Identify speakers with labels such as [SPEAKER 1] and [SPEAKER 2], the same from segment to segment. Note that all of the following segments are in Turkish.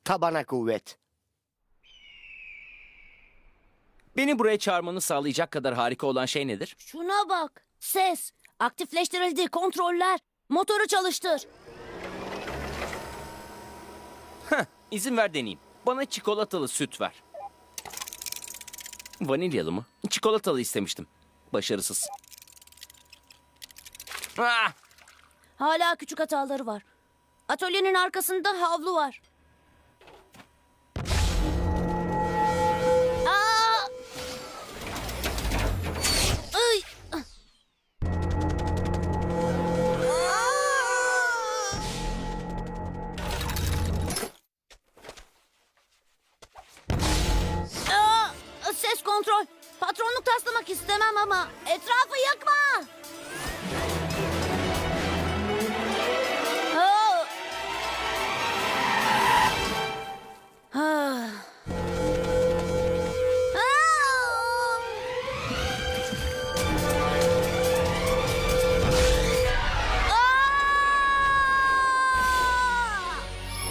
[SPEAKER 1] tabana kuvvet.
[SPEAKER 2] Beni buraya çağırmanı sağlayacak kadar harika olan şey nedir?
[SPEAKER 3] Şuna bak. Ses. Aktifleştirildi. Kontroller. Motoru çalıştır.
[SPEAKER 2] İzin ver deneyeyim. Bana çikolatalı süt ver. Vanilyalı mı? Çikolatalı istemiştim. Başarısız. Ah!
[SPEAKER 3] Hala küçük hataları var. Atölyenin arkasında havlu var. Aa! Ay! Aa! Ses kontrol. Patronluk taslamak istemem ama etrafı yakma. Aa! Ah. Aa! Aa!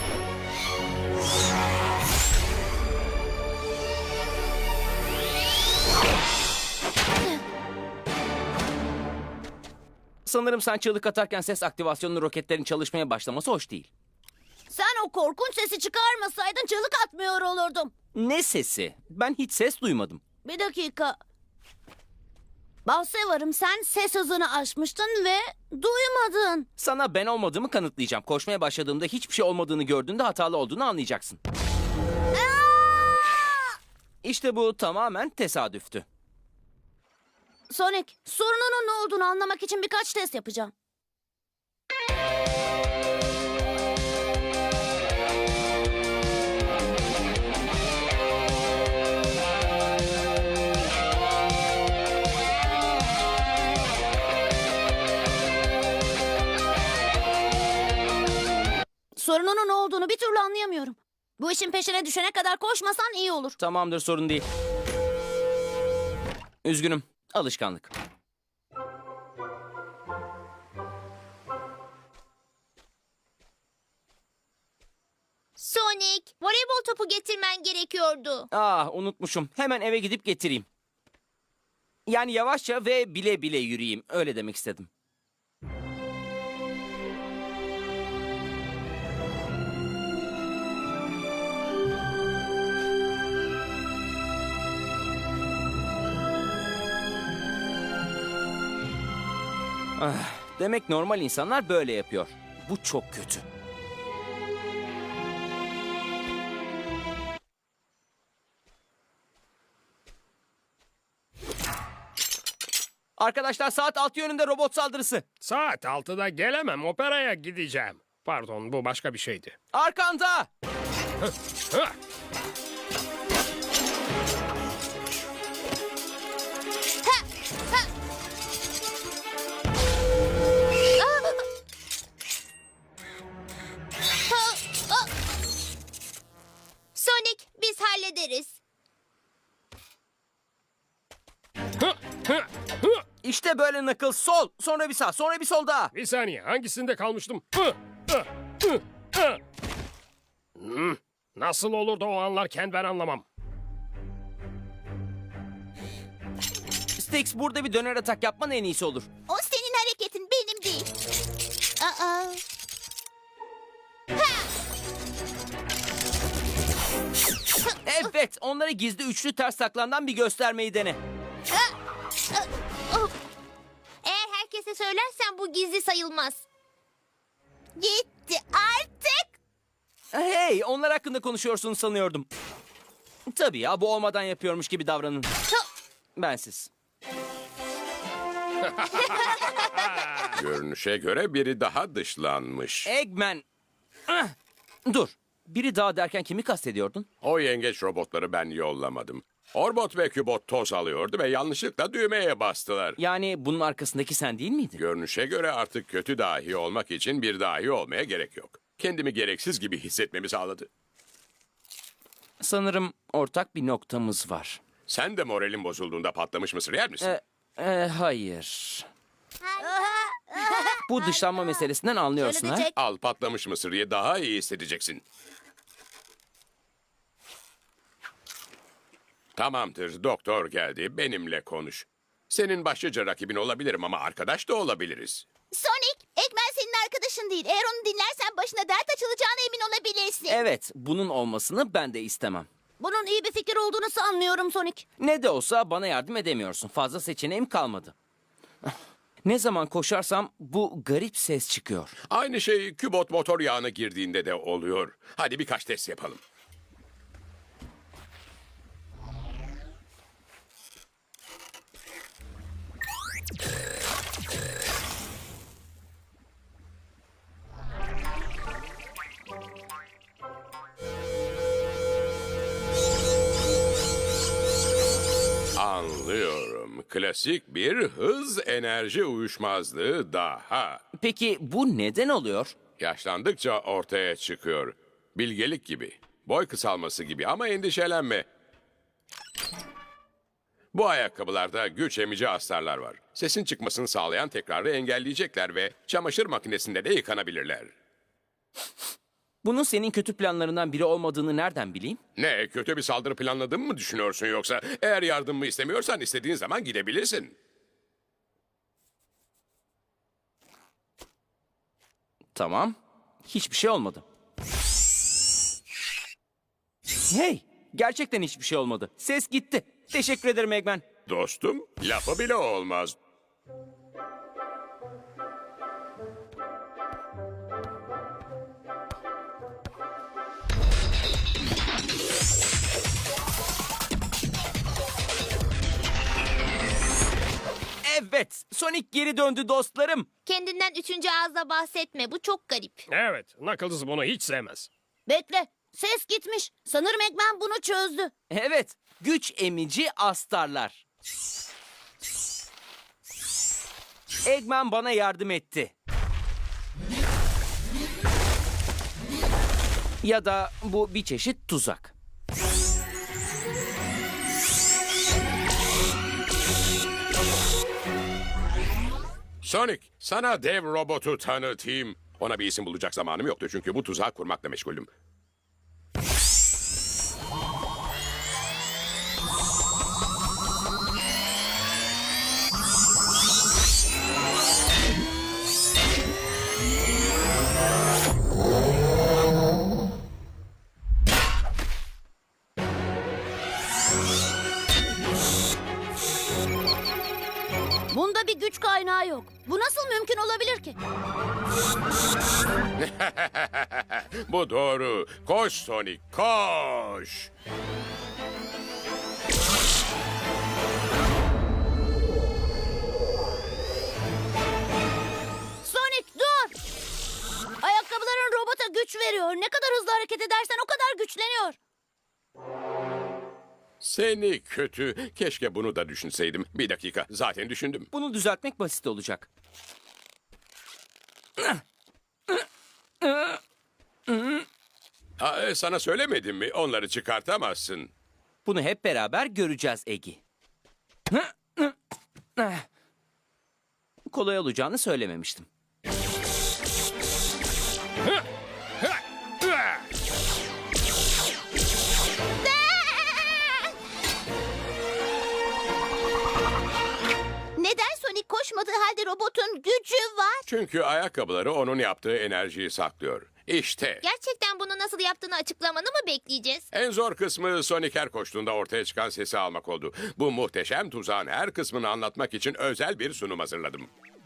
[SPEAKER 2] Sanırım sen çığlık atarken ses aktivasyonlu roketlerin çalışmaya başlaması hoş değil.
[SPEAKER 3] Sen o korkunç sesi çıkarmasaydın çığlık atmıyor olurdum.
[SPEAKER 2] Ne sesi? Ben hiç ses duymadım.
[SPEAKER 3] Bir dakika. Bahse varım, sen ses hızını aşmıştın ve duymadın.
[SPEAKER 2] Sana ben olmadığımı kanıtlayacağım. Koşmaya başladığımda hiçbir şey olmadığını gördüğünde hatalı olduğunu anlayacaksın. İşte bu tamamen tesadüftü.
[SPEAKER 3] Sonic, sorununun ne olduğunu anlamak için birkaç test yapacağım. Sorununun ne olduğunu bir türlü anlayamıyorum. Bu işin peşine düşene kadar koşmasan iyi olur.
[SPEAKER 2] Tamamdır, sorun değil. Üzgünüm. Alışkanlık.
[SPEAKER 4] Sonic, voleybol topu getirmen gerekiyordu.
[SPEAKER 2] Ah, unutmuşum. Hemen eve gidip getireyim. Yani yavaşça ve bile bile yürüyeyim. Öyle demek istedim. Ah, demek normal insanlar böyle yapıyor. Bu çok kötü. Arkadaşlar, saat 6 yönünde robot saldırısı.
[SPEAKER 5] Saat 6'da gelemem, operaya gideceğim. Pardon, bu başka bir şeydi.
[SPEAKER 2] Arkanda!
[SPEAKER 5] Hıh!
[SPEAKER 4] Sonic, biz hallederiz.
[SPEAKER 5] Hıh! Hıh! Hıh!
[SPEAKER 2] İşte böyle Knuckles. Sol, sonra bir sağ, sonra bir sol daha.
[SPEAKER 5] Bir saniye, hangisinde kalmıştım? Hıh! Hıh! Hıh! Hıh! Nasıl olur da o anlarken ben anlamam.
[SPEAKER 2] Styx, burada bir döner atak yapman en iyisi olur.
[SPEAKER 4] O senin hareketin, benim değil. Aa.
[SPEAKER 2] Evet, onlara gizli üçlü ters taklandan bir göstermeyi dene.
[SPEAKER 4] Eğer herkese söylersen bu gizli sayılmaz. Gitti artık.
[SPEAKER 2] Hey, onlar hakkında konuşuyorsun sanıyordum. Tabii ya, bu olmadan yapıyormuş gibi davranın. Bensiz.
[SPEAKER 6] Görünüşe göre biri daha dışlanmış.
[SPEAKER 2] Eggman. Ah! Dur. Biri daha derken kimi kastediyordun?
[SPEAKER 6] O yengeç robotları ben yollamadım. Orbot ve Kübot toz alıyordu ve yanlışlıkla düğmeye bastılar.
[SPEAKER 2] Yani bunun arkasındaki sen değil miydin?
[SPEAKER 6] Görünüşe göre artık kötü dahi olmak için bir dahi olmaya gerek yok. Kendimi gereksiz gibi hissetmemi sağladı.
[SPEAKER 2] Sanırım ortak bir noktamız var.
[SPEAKER 6] Sen de moralin bozulduğunda patlamış mısır yer misin?
[SPEAKER 2] Hayır. Bu dışlanma meselesinden anlıyorsun ha?
[SPEAKER 3] Çek.
[SPEAKER 6] Al patlamış mısır ye, daha iyi hissedeceksin. Tamamdır, doktor geldi. Benimle konuş. Senin başlıca rakibin olabilirim ama arkadaş da olabiliriz.
[SPEAKER 4] Sonic, Eggman senin arkadaşın değil. Eğer onu dinlersen başına dert açılacağına emin olabilirsin.
[SPEAKER 2] Evet, bunun olmasını ben de istemem.
[SPEAKER 3] Bunun iyi bir fikir olduğunu sanmıyorum Sonic.
[SPEAKER 2] Ne de olsa bana yardım edemiyorsun. Fazla seçeneğim kalmadı. Ne zaman koşarsam bu garip ses çıkıyor.
[SPEAKER 6] Aynı şey kübot motor yağına girdiğinde de oluyor. Hadi birkaç test yapalım. Anlıyorum. Klasik bir hız enerji uyuşmazlığı daha.
[SPEAKER 2] Peki bu neden oluyor?
[SPEAKER 6] Yaşlandıkça ortaya çıkıyor. Bilgelik gibi, boy kısalması gibi ama endişelenme. Bu ayakkabılarda güç emici astarlar var. Sesin çıkmasını sağlayan tekrarı engelleyecekler ve çamaşır makinesinde de yıkanabilirler.
[SPEAKER 2] Bunun senin kötü planlarından biri olmadığını nereden bileyim?
[SPEAKER 6] Ne, kötü bir saldırı planladığımı mı düşünüyorsun yoksa? Eğer yardımımı istemiyorsan istediğin zaman gidebilirsin.
[SPEAKER 2] Tamam. Hiçbir şey olmadı. Hey! Gerçekten hiçbir şey olmadı. Ses gitti. Teşekkür ederim Eggman.
[SPEAKER 6] Dostum, lafı bile olmaz.
[SPEAKER 2] Evet, Sonic geri döndü dostlarım.
[SPEAKER 4] Kendinden üçüncü ağızla bahsetme. Bu çok garip.
[SPEAKER 5] Evet, Knuckles bunu hiç sevmez.
[SPEAKER 3] Bekle. Ses gitmiş. Sanırım Eggman bunu çözdü.
[SPEAKER 2] Evet, güç emici astarlar. Eggman bana yardım etti. Ya da bu bir çeşit tuzak.
[SPEAKER 6] Sonic, sana dev robotu tanıtayım. Ona bir isim bulacak zamanım yoktu çünkü bu tuzağı kurmakla meşguldüm.
[SPEAKER 3] Bunda bir güç kaynağı yok. Bu nasıl mümkün olabilir ki?
[SPEAKER 6] Bu doğru. Koş Sonic, koş.
[SPEAKER 3] Sonic dur! Ayakkabıların robota güç veriyor. Ne kadar hızlı hareket edersen o kadar güçleniyor.
[SPEAKER 6] Seni kötü. Keşke bunu da düşünseydim. Bir dakika, zaten düşündüm.
[SPEAKER 2] Bunu düzeltmek basit olacak.
[SPEAKER 6] Sana söylemedim mi? Onları çıkartamazsın.
[SPEAKER 2] Bunu hep beraber göreceğiz Egi. Kolay olacağını söylememiştim.
[SPEAKER 4] Neden Sonic koşmadığı halde robotun gücü var?
[SPEAKER 6] Çünkü ayakkabıları onun yaptığı enerjiyi saklıyor. İşte.
[SPEAKER 4] Gerçekten bunu nasıl yaptığını açıklamanı mı bekleyeceğiz?
[SPEAKER 6] En zor kısmı Sonic her koştuğunda ortaya çıkan sesi almak oldu. Bu muhteşem tuzağın her kısmını anlatmak için özel bir sunum hazırladım.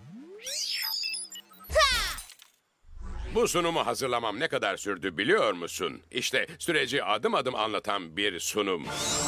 [SPEAKER 6] Bu sunumu hazırlamam ne kadar sürdü biliyor musun? İşte süreci adım adım anlatan bir sunum.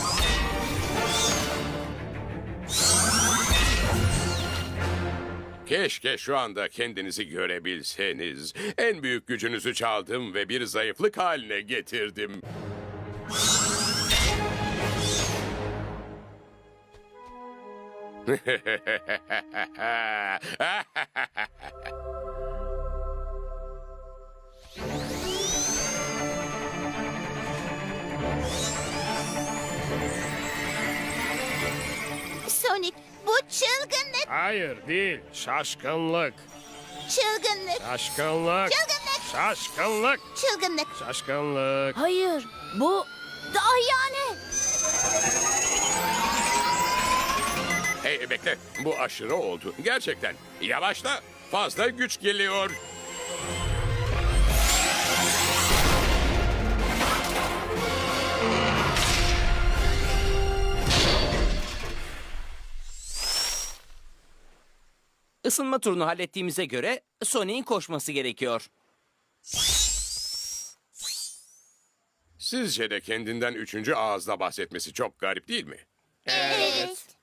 [SPEAKER 6] Keşke şu anda kendinizi görebilseniz. En büyük gücünüzü çaldım ve bir zayıflık haline getirdim.
[SPEAKER 4] Sonic, bu çılgınlık,
[SPEAKER 5] Hayır değil, şaşkınlık.
[SPEAKER 4] çılgınlık,
[SPEAKER 5] Şaşkınlık.
[SPEAKER 4] çılgınlık,
[SPEAKER 5] Şaşkınlık.
[SPEAKER 4] çılgınlık.
[SPEAKER 5] Şaşkınlık.
[SPEAKER 3] Hayır, bu dahiyane.
[SPEAKER 6] Hey bekle, bu aşırı oldu. Gerçekten. Yavaşla, fazla güç geliyor.
[SPEAKER 2] Isınma turunu hallettiğimize göre Sonic'in koşması gerekiyor.
[SPEAKER 6] Sizce de kendinden üçüncü ağızla bahsetmesi çok garip değil mi?
[SPEAKER 4] Evet.